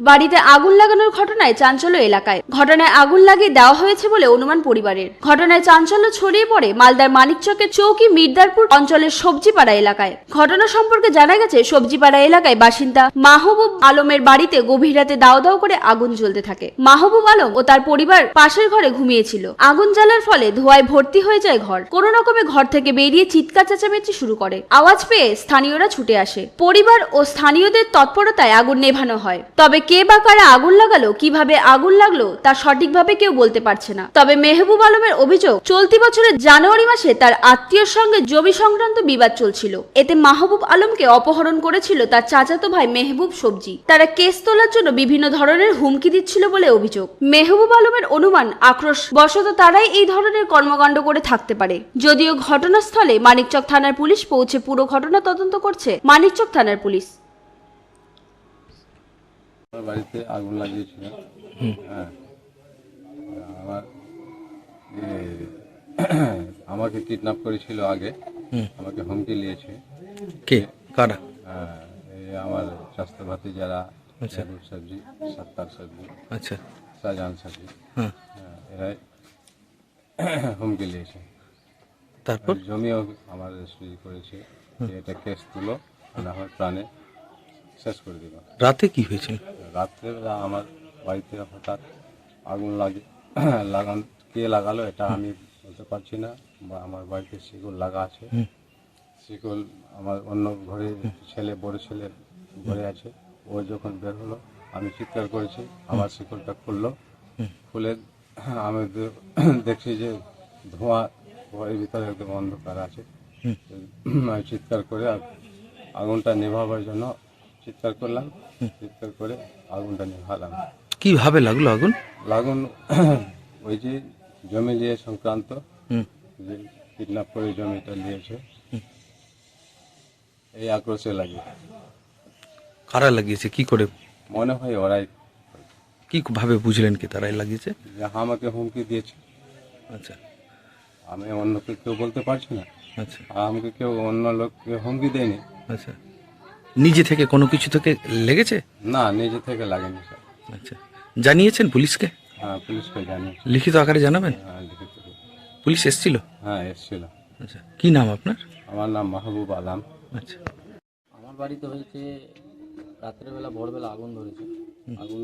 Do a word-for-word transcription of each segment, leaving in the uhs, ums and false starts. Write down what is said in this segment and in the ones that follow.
বাড়িতে আগুন লাগানোর ঘটনায় চাঞ্চল্য এলাকায়। ঘটনায় আগুন লাগিয়ে দেওয়া হয়েছে বলে অনুমান পরিবারের। ঘটনায় চাঞ্চল্য ছড়িয়ে পড়ে মালদার মানিকচকের চৌকি মির্দারপুর অঞ্চলের সবজিপাড়া এলাকায়। ঘটনা সম্পর্কে জানা গেছে, সবজিপাড়া এলাকায় বাসিন্দা মাহবুব আলমের বাড়িতে গভীর রাতে দাও দাও করে আগুন জ্বলতে থাকে। মাহবুব আলম ও তার পরিবার পাশের ঘরে ঘুমিয়েছিল। আগুন জ্বালার ফলে ধোঁয়ায় ভর্তি হয়ে যায় ঘর। কোনো রকমে ঘর থেকে বেরিয়ে চিৎকার চেঁচামেচি শুরু করে। আওয়াজ পেয়ে স্থানীয়রা ছুটে আসে। পরিবার ও স্থানীয়দের তৎপরতায় আগুন নেভানো হয়। তবে কে বা কারা আগুন লাগালো, কিভাবে আগুন লাগলো তা সঠিকভাবে কেউ বলতে পারছে না। তবে মেহবুব আলমের অভিযোগ, চলতি বছরের জানুয়ারি মাসে তার আত্মীয়র সঙ্গে জমি সংক্রান্ত বিবাদ চলছিল। এতে মাহবুব আলমকে অপহরণ করেছিল তার চাচাতো ভাই মেহবুব সবজি। তারা কেস তোলার জন্য বিভিন্ন ধরনের হুমকি দিচ্ছিল বলে অভিযোগ। মেহবুব আলমের অনুমান, আক্রোশ বশত তারাই এই ধরনের কর্মকাণ্ড করে থাকতে পারে। যদিও ঘটনাস্থলে মানিকচক থানার পুলিশ পৌঁছে পুরো ঘটনা তদন্ত করছে মানিকচক থানার পুলিশ। আমার বাড়িতে আগুন লাগিয়েছিল। হ্যাঁ, আমার আমাকে কিডন্যাপ করেছিল আগে, আমাকে হুমকি দিয়েছে। কে কারা? হ্যাঁ, এই আমার স্বাস্থ্যভাতি যারা, মেহবুব সবজি, সত্তার সবজি, আচ্ছা, শাহজাহান সবজি, হ্যাঁ, এরাই হুমকি দিয়েছে। তারপর জমিও আমার রেজিস্ট্রি করেছে যে এটা কেস তুলো, না হয় প্রাণে শেষ করে দিল। রাতে কি হয়েছিল? রাত্রেবেলা আমার বাড়িতে হঠাৎ আগুন লাগে লাগান কে লাগালো এটা আমি বলতে পারছি না। বা আমার বাড়িতে শিকল লাগা আছে, শিকল আমার অন্য ঘরে ছেলে, বড় ছেলে ঘরে আছে। ও যখন বের হলো আমি চিৎকার করেছি, আবার শিকলটা খুললো, খুলে আমি দেখছি যে ধোঁয়া, ঘরের ভিতরে একদম অন্ধকার আছে। আমি চিৎকার করে আগুনটা নেভাবার জন্য চিৎকার করলাম, চিৎকার করে আগুনটা নেভালাম। কিভাবে লাগলো আগুন? লাগুন ওই যে জমি নিয়ে সংক্রান্ত, যে কিডন্যাপ করে জমিটা নিয়েছে, এই আক্রোশে লাগে। কারা লাগিয়েছে, কি করে মনে হয় ওরাই। কি ভাবে বুঝলেন কি তারাই লাগিয়েছে? যে আমাকে হুমকি দিয়েছে, আচ্ছা আমি অন্যকে কেউ বলতে পারছি না। আচ্ছা আর আমাকে কেউ অন্য লোককে হুমকি দেয়নি। আচ্ছা, নিজে থেকে কোনো কিছু থেকে লেগেছে? না, নিজে থেকে লাগেনি স্যার। আচ্ছা, জানিয়েছেন পুলিশকে? হ্যাঁ, পুলিশকে জানিয়েছি। লিখিত আকারে জানাবেন? হ্যাঁ, লিখিত। পুলিশ এসেছিল? হ্যাঁ, এসেছিল। আচ্ছা, কি নাম আপনার? আমার নাম মাহবুব আলম। আচ্ছা, আমার বাড়িতে হয়েছে রাত্রেবেলা, ভোরবেলা আগুন ধরেছে। আগুন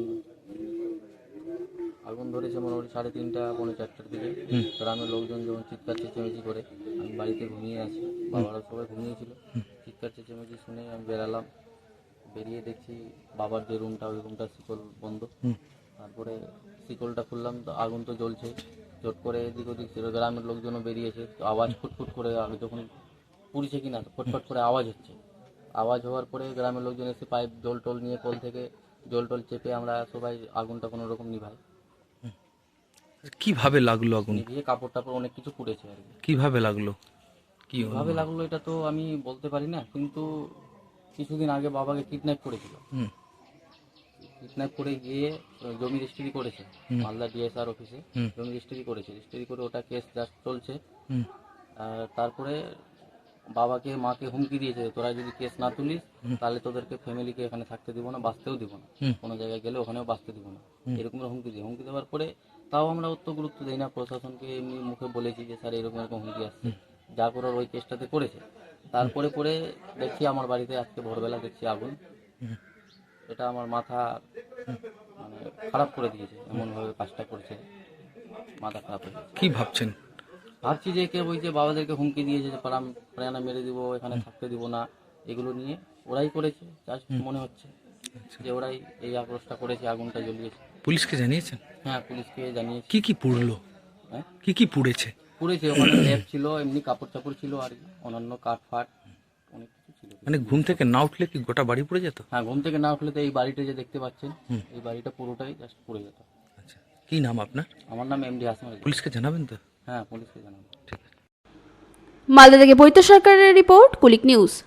আগুন ধরেছে মোটামুটি সাড়ে তিনটা পৌনে চারটার দিকে। গ্রামের লোকজন যখন চিৎকার চেঁচামেচি করে, আমি বাড়িতে ঘুমিয়ে আছি, বাবারা সবাই ঘুমিয়েছিল। চিৎকার চেঁচামেচি শুনে আমি বেরালাম, বেরিয়ে দেখছি বাবার যে রুমটা, ওই রুমটা শিকল বন্ধ। তারপরে শিকলটা খুললাম তো আগুন তো জ্বলছে, চট করে এদিক ওদিক ছিল। গ্রামের লোকজনও বেরিয়েছে, তো আওয়াজ ফুটফুট করে, আগে যখন পুড়িছে কিনা ফটফট করে আওয়াজ হচ্ছে। আওয়াজ হওয়ার পরে গ্রামের লোকজন এসে পাইপ জল টল নিয়ে, কল থেকে জল টল চেপে আমরা সবাই আগুনটা কোনো রকম নিভাই। কিভাবে লাগলো আগুন? নিভিয়ে কাপড় টাপড় অনেক কিছু পুড়েছে আর কি। কিভাবে লাগলো? কি কিভাবে লাগলো এটা তো আমি বলতে পারি না, কিন্তু কিছুদিন আগে বাবাকে কিডন্যাপ করেছিল। হুম, কিডন্যাপ করে গিয়ে জমি রেজিস্ট্রি করেছে মালদা ডিএসআর অফিসে। হুম। জমি রেজিস্ট্রি করেছে, রেজিস্ট্রি করে ওটা কেস জাস্ট চলছে। হুম, আর তারপরে বাবাকে মাকে হুমকি দিয়েছে, তোরা যদি কেস না তুলিস তাহলে তোদেরকে ফ্যামিলিকে এখানে থাকতে দিব না, বাঁচতেও দিব না, হুম। কোনো জায়গায় গেলে ওখানেও বাঁচতে দিব না, এরকম হুমকি দিয়ে হুমকি দেওয়ার পরে তাও আমরা অত গুরুত্ব দিই না। প্রশাসনকে এমনি মুখে বলেছি যে স্যার এরকম এরকম হুমকি আসছে, যা করার ওই কেসটাতে করেছে। তারপরে পরে দেখছি আমার বাড়িতে আজকে ভোরবেলা দেখছি আগুন। এটা আমার মাথা মানে খারাপ করে দিয়েছে, এমনভাবে কাজটা করছে, মাথা খারাপ হয়ে গেছে। কি ভাবছেন? ভাবছি যে কে ওই যে বাবাদেরকে হুমকি দিয়েছে যে প্রাণ প্রাণা মেরে দিব, এখানে থাকতে দিব না, এগুলো নিয়ে ওরাই করেছে। জাস্ট মনে হচ্ছে যে ওরাই এই আক্রোশটা করেছে, আগুনটা জ্বলিয়েছে। পুলিশকে জানিয়েছেন? হ্যাঁ, পুলিশকে জানিয়েছি। কি কি পুড়লো? হ্যাঁ, কি কি পুড়েছে? পুড়েছে ওখানে ল্যাব ছিল, এমনি কাপড় চাপড় ছিল, আর কি অন্যান্য কাঠ ফাট অনেক কিছু ছিল। মানে ঘুম থেকে না উঠলে কি গোটা বাড়ি পুড়ে যেত? হ্যাঁ, ঘুম থেকে না উঠলে তো এই বাড়িটা যে দেখতে পাচ্ছেন, এই বাড়িটা পুরোটাই জাস্ট পুড়ে যেত। আচ্ছা, কি নাম আপনার? আমার নাম এমডি হাসান আলী। পুলিশকে জানাবেন তো? হ্যাঁ, পুলিশকে জানাবো। ঠিক আছে। মালদা থেকে বৈদ্য সরকারের রিপোর্ট, কুলিক নিউজ।